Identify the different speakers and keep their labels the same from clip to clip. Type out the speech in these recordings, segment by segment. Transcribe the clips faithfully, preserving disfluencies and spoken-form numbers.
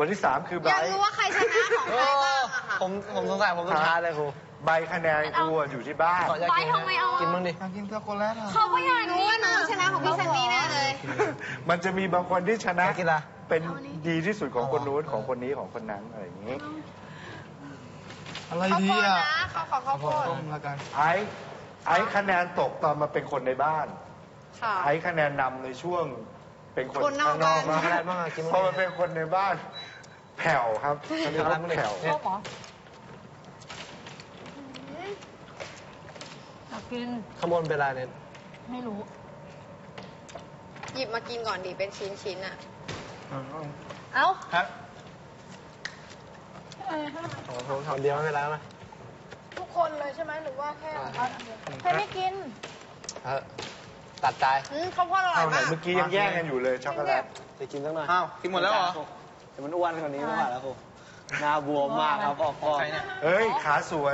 Speaker 1: คนที่สามคือไบ
Speaker 2: อยากรู้ว่าใครชนะของใครบ้างอะค่ะ
Speaker 3: ผมผมสงสัยผมสุดท้ายเลยครู
Speaker 1: ใบคะแนนกูอยู่ที่บ้าน
Speaker 3: ขออยากกิน
Speaker 4: ทำไมเอา
Speaker 3: กินบ้างดิ
Speaker 5: อยากกินช็อกโกแลตอ่ะ
Speaker 4: เขาก็อยาก
Speaker 2: รู้ว่าน้องชนะของพี่ซันนี่แน่เลย
Speaker 1: มันจะมีบางคนที่ชนะ
Speaker 3: อยากกินอะไร
Speaker 1: เป็นดีที่สุดของคนนู้นของคนนี้ของคนนั้นอะไรอย่างนี้
Speaker 5: อะไร
Speaker 2: ข้าว
Speaker 5: ดี
Speaker 2: โพด
Speaker 5: อ่ะ
Speaker 2: นะขอขอข้าวโพด
Speaker 5: ต้มแล้วกัน
Speaker 1: ไอ้ไอ้คะแนนตกตอนมาเป็นคนในบ้าน
Speaker 2: ค่ะ
Speaker 1: ไอ้คะแนนนำในช่วงเป็นคน
Speaker 2: คนนอก
Speaker 1: ข้างนอก
Speaker 2: บ้าน
Speaker 3: อะไรบ้างอะกินบ้าง
Speaker 1: พอมาเป็นคนในบ้านแผ่วครับอันนี้เขาแผ่ว
Speaker 4: ชอบเหรออยากกิน
Speaker 3: ขบวนเป็นอะไรเนี่ย
Speaker 4: ไม่รู้
Speaker 2: หยิบมากินก่อนดิเป็นชิ้นชิ้นๆอะ
Speaker 4: เอ้า
Speaker 5: ครับ
Speaker 3: ของผมทำเดียวไม่เป็นไรนะ
Speaker 2: ทุกคนเลยใช่ไหมหรือว่าแค่
Speaker 4: ใครไม่กิน
Speaker 3: เออตัดใจ
Speaker 2: อืมข้าวโพดอร่อ
Speaker 1: เอา
Speaker 2: ย
Speaker 1: ไหน
Speaker 2: มาก
Speaker 1: เมื่อกี้ยังแย่งกันอยู่เลยช็อกโกแลต
Speaker 3: จะกินสักหน่อย
Speaker 5: อ้าวกินหมดแล้วเหรอ
Speaker 3: แต่มันอ้วนกว่านี้ไม่ไหวแล้วครูหน้าบวมมากครับพ่อพ่อ
Speaker 5: ใครเนี่ย
Speaker 1: เอ้ยขาสวย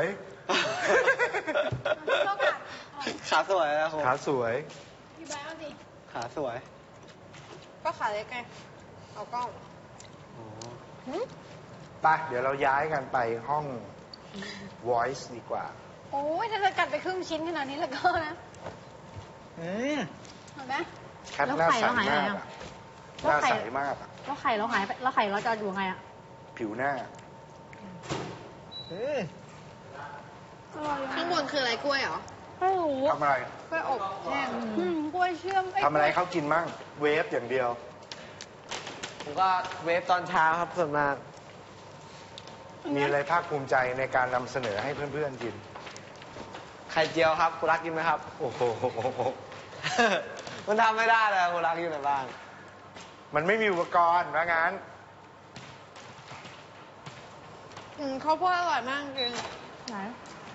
Speaker 3: ขาสวยนะครู
Speaker 1: ขาสวย
Speaker 3: ขาสวย
Speaker 2: ก็ขาเล็กไงเอากล้อง
Speaker 3: อ๋อ
Speaker 1: ไปเดี๋ยวเราย้ายกันไปห้อง voice ดีกว่า
Speaker 4: โอ้ยถ้าจะกัดไปครึ่งชิ้นขนาดนี้แล้วก็นะ
Speaker 5: อืม
Speaker 4: เห็นไหม
Speaker 1: แคทหน้าใสมากอะหน้าใสมากอะ
Speaker 4: แล้วไข่เราหายไปแล้วไข่เราจะอยู่ไงอ่ะ
Speaker 1: ผิวหน้า
Speaker 5: อืม
Speaker 2: ข้างบนคืออะไรกล้วยเหรอ
Speaker 4: ไม่รู้
Speaker 1: ทำอะไร
Speaker 2: กล้วยอบแห้ง
Speaker 4: อืมกล้วยเชื่อม
Speaker 1: ทำอะไรเขากินมั่ง เวฟอย่างเดียว
Speaker 3: ผมก็เวฟตอนเช้าครับส่วนมาก
Speaker 1: มีอะไรภาคภูมิใจในการนำเสนอให้เพื่อนๆกิน
Speaker 3: ไข่เจียวครับคุณรักกินไหมครับ
Speaker 1: โอ้โห
Speaker 3: มันทำไม่ได้เลยคุณรักอยู่ในบ้าน
Speaker 1: มันไม่มีอุปกรณ์ว่างั้น
Speaker 2: อืมข้าวโพดอร่อยมากจริง
Speaker 4: ไหน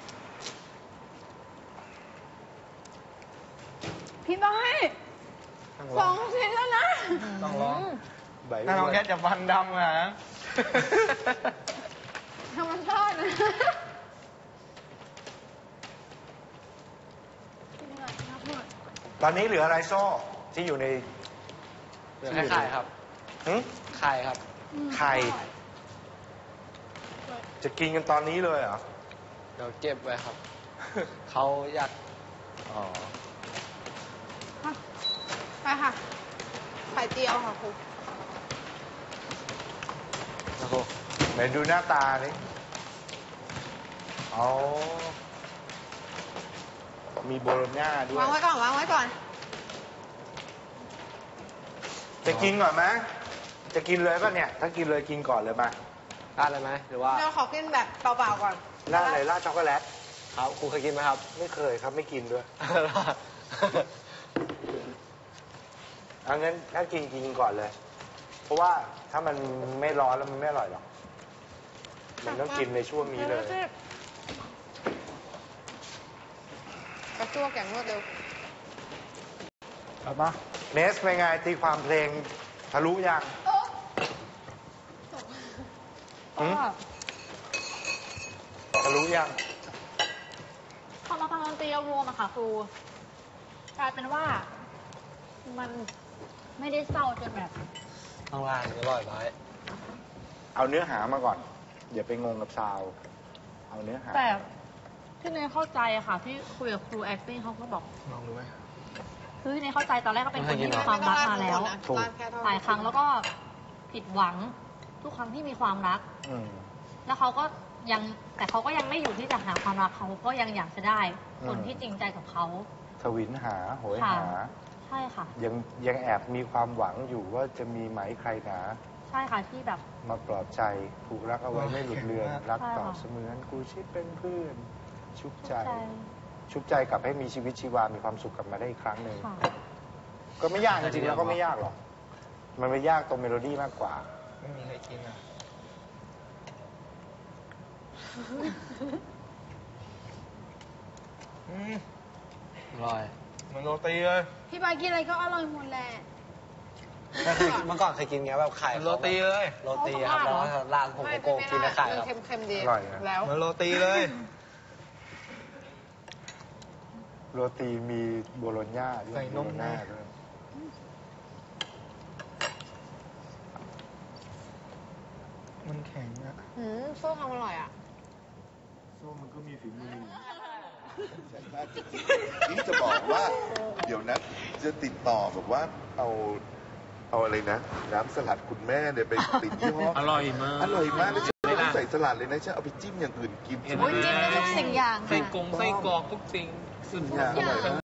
Speaker 4: พี่บอยสองชิ้นแล้วนะ
Speaker 5: ต้องร้อง
Speaker 1: ใบ
Speaker 5: ถ้าน้องแคทจะฟันดำนะ
Speaker 4: ธรรมชาตินะ
Speaker 1: ตอนนี้เหลืออะไรโซ่ที่อยู่ใน
Speaker 3: เหลือแค่ไข่ครับ
Speaker 1: หึ
Speaker 3: ไข่ครับ
Speaker 1: ไข่ จะกินกันตอนนี้เลยเหรอ
Speaker 3: เดี๋ยวเก็บไว้ครับ เขาอยาก
Speaker 1: อ๋อ
Speaker 2: ไปค่ะ ไข่เจียวค่ะครู
Speaker 1: โอ้โหไหนดูหน้าตาดิอ๋อ มีโบโลญ่าด้วย
Speaker 2: วางไว้ก่อนวางไว้ก่อน
Speaker 1: จะกินก่อนไหมจะกินเลยป่ะเนี่ย ถ้ากินเลยกินก่อนเลยมา
Speaker 3: ราดเลยไหมหรือว่า
Speaker 2: เราขอกินแบบเปล่าๆก่อน
Speaker 1: ราดอะไรราดช็อกโกแลต
Speaker 3: ครับครูเคยกินไหมครับ
Speaker 1: ไม่เคยครับไม่กินด้วยเอางั้นถ้ากินกินก่อนเลย เพราะว่าถ้ามันไม่ร้อนแล้วมันไม่อร่อยหรอก มันต้องกินในช่วงนี้เลย
Speaker 2: กระตั้วแกงรวดเร็ว
Speaker 1: เอามาเนสเป็นไงตีความเพลงทะลุยังหืมทะลุยัง
Speaker 4: พอมาฟังดนตรีเอารวมอะค่ะครูกลายเป็นว่า มันไม่ได้เศร้าจนแบบ
Speaker 3: ข้างล่างอร่อยไหม
Speaker 1: เอาเนื้อหามาก่อน อย่าไปงงกับซาวด์เอาเนื้อหา
Speaker 4: แต่ที่เนยเข้าใจอะค่ะ ที่คุยกับครู acting เขาก็บอก
Speaker 5: ลองดูไหม
Speaker 4: คือที่เนยเข้าใจตอนแรกก็เป็นคนที่มีความ
Speaker 2: ไม่ต้อ
Speaker 4: รั
Speaker 2: ง
Speaker 4: ก
Speaker 2: ราด
Speaker 4: มา
Speaker 2: ข้าง
Speaker 4: แล้ว
Speaker 2: บนนะ
Speaker 1: ถูก
Speaker 2: ราดแค่เท่า
Speaker 4: หลายครั้งแล้วก็ผิดหวังทุกครั้งที่มีความรัก
Speaker 1: อืม
Speaker 4: แล้วเขาก็ยังแต่เขาก็ยังไม่อยู่ที่จะหาความรักเขาก็ยังอยากจะได้คน
Speaker 1: อืม
Speaker 4: ที่จริงใจกับเขา
Speaker 1: ทวินหาโหย
Speaker 4: ค่ะ
Speaker 1: หา
Speaker 4: ใช่ค่ะ
Speaker 1: ยังยังแอบมีความหวังอยู่ว่าจะมีไหมใครหนา
Speaker 4: ใช่ค่ะที่แบบ
Speaker 1: มาปลอบใจผูกรักเอาไว้ไม่หลุดเลือน รักต่อ
Speaker 4: ใช่ค่ะ
Speaker 1: เสมือนกูชิดเป็นเพื่อน ชุบใจ
Speaker 4: ใจ
Speaker 1: ชุบใจกลับให้มีชีวิตชีวา มีความสุขกลับมาได้อีกครั้งหนึ่ง
Speaker 4: ค่ะ
Speaker 1: ก็ไม่ยากจริงๆแล้วก็ไม่ยากหรอก มันไม่ยากตรงเมโลดี้มากกว่า
Speaker 5: ไม่มีใครกินอ่ะอืม
Speaker 3: อร่อย
Speaker 5: เหมือนโรตีเลย
Speaker 2: พี่บอยกินอะไรก็อร่อยหมดแหละ
Speaker 3: เคยเมื่อก่อนเคยกินไงแบบไข่
Speaker 5: เหมือนโรตีเลย
Speaker 3: โรตีครับแล้วก็ราดผมโกโก้กินในไข่ครับ
Speaker 2: เค็มๆดี
Speaker 1: อร่อยนะ
Speaker 2: แล้ว
Speaker 5: เหมือนโรตีเลย
Speaker 1: โรตีมีโบโลญญาด้วย
Speaker 5: ใส่นม
Speaker 1: โบโลญญาด้วย
Speaker 5: อมันแข็งอะ
Speaker 2: อืมสู้ความอร่อยอ่ะ
Speaker 1: ส้มมันก็มีฝีมือ
Speaker 6: ใช่มากจริงๆนี่จะบอกว่า เดี๋ยวนะจะติดต่อแบบว่าเอาเอาอะไรนะ น้ำสลัดคุณแม่เนี่ยไปติดที่ห้อง
Speaker 7: อร่อยมาก
Speaker 6: อร่อยมากแล้วฉันไม่ต้องใส่สลัดเลยนะฉันเอาไปจิ้มอย่างอื่นกิน
Speaker 7: เห็นไหม
Speaker 2: โอ้ยจิ้มได้ทุกสิ่งอย่าง
Speaker 7: ไส้
Speaker 2: ค่ะ
Speaker 7: กงไส้กรอกทุกสิ่งสุด
Speaker 6: อร่อยมาก